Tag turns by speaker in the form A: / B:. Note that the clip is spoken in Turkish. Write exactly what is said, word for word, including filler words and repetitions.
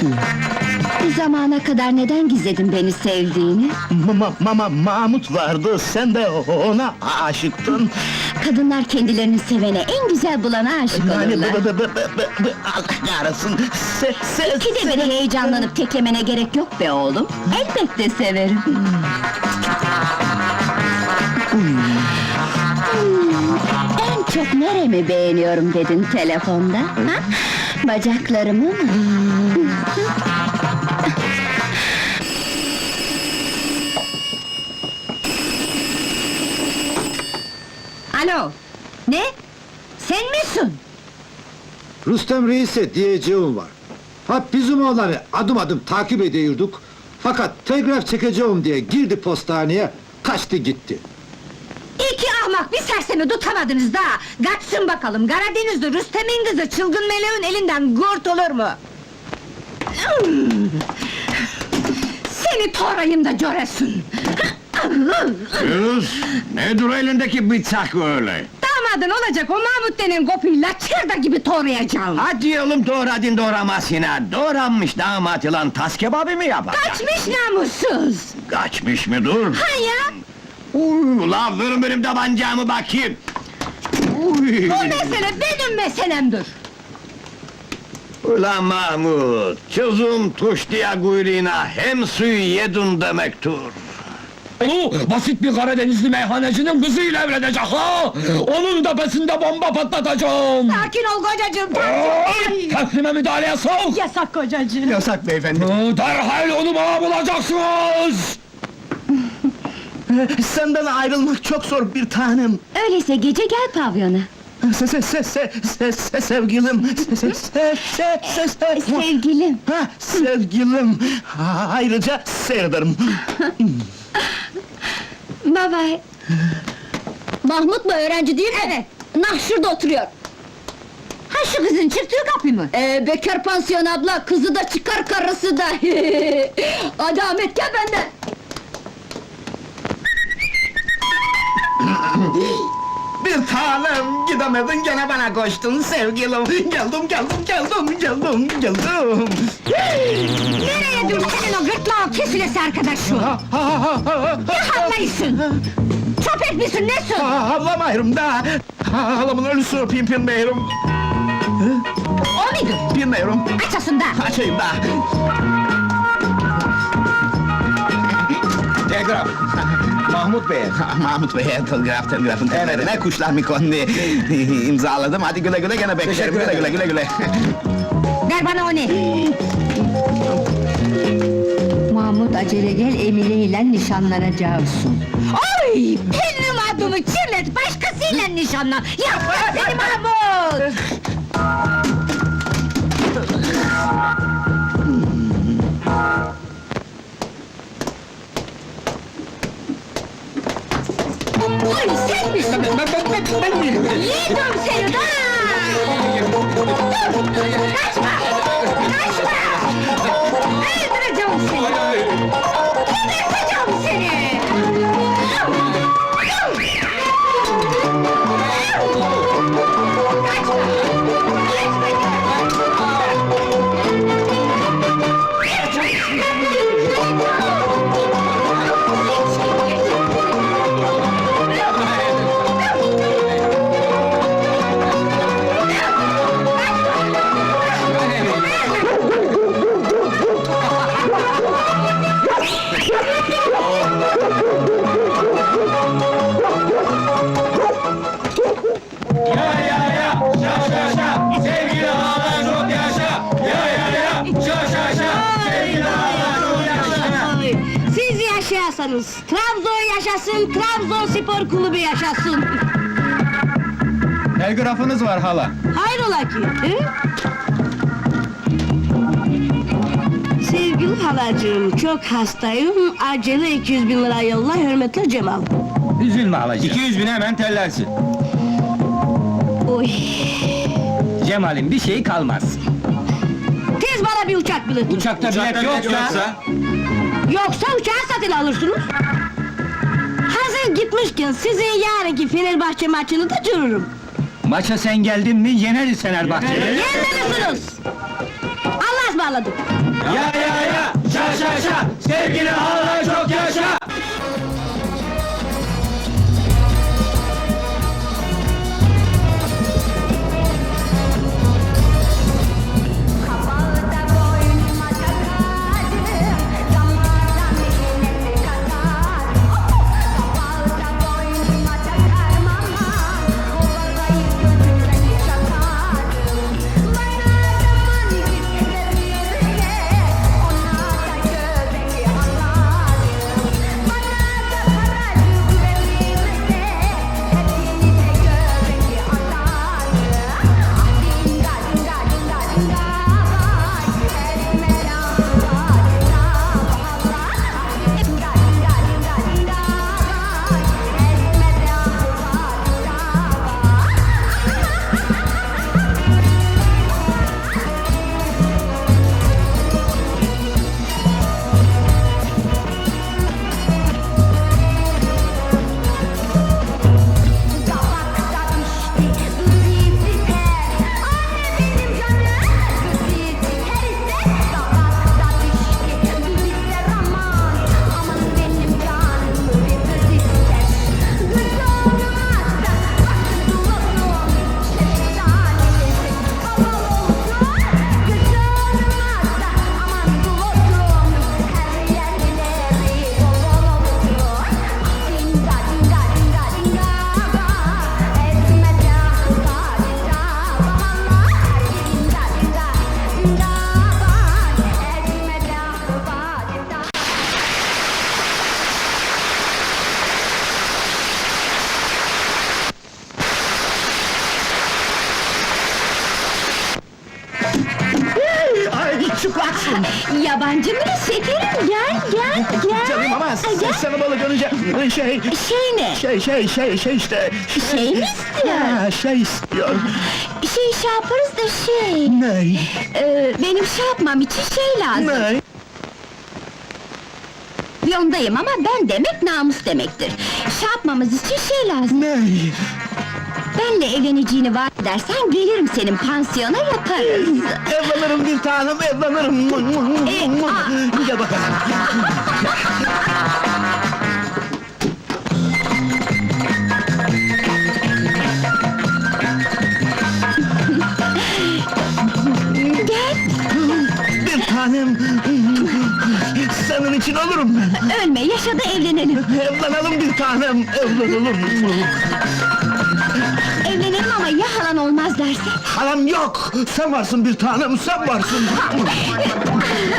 A: Bu zamana kadar neden gizledin beni sevdiğini?
B: Mama, mama, Mahmut vardı, sen de ona aşıktın.
A: Kadınlar kendilerini sevene, en güzel bulana aşık
B: Yani
A: olurlar.
B: bu, bu, bu, bu, bu, bu, Allah kahretsin! Se, se,
A: İkide bir heyecanlanıp teklemene gerek yok be oğlum. Elbette severim. Hmm, En çok neremi beğeniyorum dedin telefonda? Ha? Bacaklarımı mı? Alo, ne? Sen misin?
C: Rüstem Reis'e diyeceğim var. Ha bizim oğlanı adım adım takip ediyorduk. Fakat telgraf çekeceğim diye girdi postaneye, kaçtı gitti.
A: İki ahmak bir sersemi tutamadınız da! Kaçsın bakalım, Karadeniz'de Rüstem'in kızı çılgın meleğin elinden kurtulur mu? Hmm! Seni torayım da göresin!
D: Yunus, nedir elindeki bıçak öyle?
A: Damadın olacak o Mahmut denen kopuyla çırda gibi torayacağım!
D: Hadi oğlum doğradın doğramasına, doğranmış damat yılan tas kebabı mı yapacak?
A: Kaçmış namussuz!
D: Kaçmış mı dur?
A: Ha ya!
D: Uy, ulan verin benim tabancamı bakayım! Uy.
A: Bu mesele benim meselemdir!
D: Ulan Mahmut, çözüm tuş diye kuyruğuna hem suyu yedin demektir!
E: Onu basit bir Karadenizli meyhanecinin kızıyla evlenecek ha! Onun tepesinde bomba patlatacağım!
A: Sakin ol kocacığım!
E: Ay, Teslime müdahaleye sok!
A: Yasak kocacığım!
B: Yasak beyefendi!
E: Hı, Derhal onu bana bulacaksınız!
B: Senden ayrılmak çok zor bir tanem!
A: Öyleyse gece gel pavyona!
B: Se, se, se, se, se, se, sevgilim! Se, se, se, se, se, se.
A: Sevgilim!
B: Ha, sevgilim! Ha, ayrıca seyrederim!
A: Baba! Mahmut mu, öğrenci değil mi? Evet! Nah şurada oturuyor! Ha şu kızın çıktığı kapı mı? Ee, bekar pansiyon abla, kızı da çıkar karısı da! Hadi Ahmet gel benden!
B: Bir tanem, gidemedin gene bana koştun sevgilim! Geldim, geldim, geldim, geldim, geldim!
A: Nereye dur senin o gırtlağın kesilesi arkadaşım?
B: Ha, ha, ha, ha,
A: Ne havlayısın? Çöp etmişsin, nesin?
B: ha, havlamayırım da! Ha, halamın ölüsü öpeyim, bilmiyorum!
A: O muydu?
B: Bilmiyorum!
A: Açasın da!
B: Açayım da! Telgraf! Mahmut Bey! Mahmut Bey'e telgraf, telgrafın temeline kuşlar mı kondu? İmzaladım, hadi güle güle gene beklerim, güle güle güle güle!
A: Ver bana o ne? Mahmut acele gel, Emine ile nişanlanacaksın. Oy! Benim adımı kirlet, başkasıyla nişanlan! Yapma seni Mahmut! Oy sen misin?
B: Ben, ben, ben, ben miyim?
A: Yedim seni da! Dur! Kaçma! Kaçma! Öldüreceğim seni! Geberteceğim seni! Kaçma! Siz yaşayasınız, Trabzon yaşasın, Trabzonspor kulübü yaşasın!
B: Telgrafınız var hala!
A: Hayrola ki, he? Sevgili halacığım, çok hastayım, acele iki yüz bin lira yolla, hürmetle Cemal.
E: Üzülme halacığım. iki yüz bine hemen tellersin.
A: Oy!
E: Cemal'in bir şeyi kalmaz.
A: Tez bana bir uçak bileti!
E: Uçakta bilet yoksa...
A: Yoksa uçağı satın alırsınız! Hazır gitmişken sizin yarınki Fenerbahçe maçını da görürüm!
E: Maça sen geldin mi yeneriz Fenerbahçe'yi.
A: Yenmelisiniz! Allah'a ısmarladık! bağladım.
E: Ya ya ya, şa şa şa, sevgili hala çok yaşa!
F: Kapağı da boynuma takarım, damardan nefes katarım. Kapağı da boynuma takarım ama, kovadayı gözümden çakarım. Bana zaman gittirirse, ona da göbeği atarım. Bana da paracık verirse, hepinize göbeği atarım. Ah dinga dinga dinga dinga vay, elime laf var hesabı Allah. Ah dinga dinga dinga dinga vay, elime laf var hesabı. Kabakta pişti, duzi biter. Anne benim canım, duzi biter ise. Kabakta pişti, duzi biter aman. Aman benim canım, duzi biter. Güç olmazsa, bakın olsun. Şeftalisi baba olsun. Güç olmazsa, aman bulutun. Her yerleri bol olsun. Ah dinga dinga dinga dinga vay, elime laf var hesabı Allah. Dinga dinga dinga vay, elime laf var hesabı.
B: Ay çıplaksın!
A: Yabancı mı şekerim? Gel, gel, gel.
B: Canım ama
A: Ay,
B: sen
A: gel.
B: sana balı görünce şey...
A: Şey ne?
B: Şey şey şey şey işte...
A: Şey mi istiyor?
B: Ha, şey istiyor.
A: Şey şey yaparız da şey...
B: Ne?
A: Ee, benim şey yapmam için şey lazım.
B: Ne?
A: Yondayım ama ben demek namus demektir. Şey yapmamız için şey lazım.
B: Ne?
A: Benle evleneceğini vaat edersen gelirim senin pansiyona yaparız.
B: Evlanırım bir tanem, evlanırım.
A: E, aa.
B: Gel bakalım.
A: Gel,
B: Bir tanem. Senin için olurum ben.
A: ölme, yaşa da evlenelim.
B: Evlanalım bir tanem, evlanalım.
A: Evlenelim ama ya halan olmaz derse?
B: Halam yok, sen varsın bir tanem, sen varsın.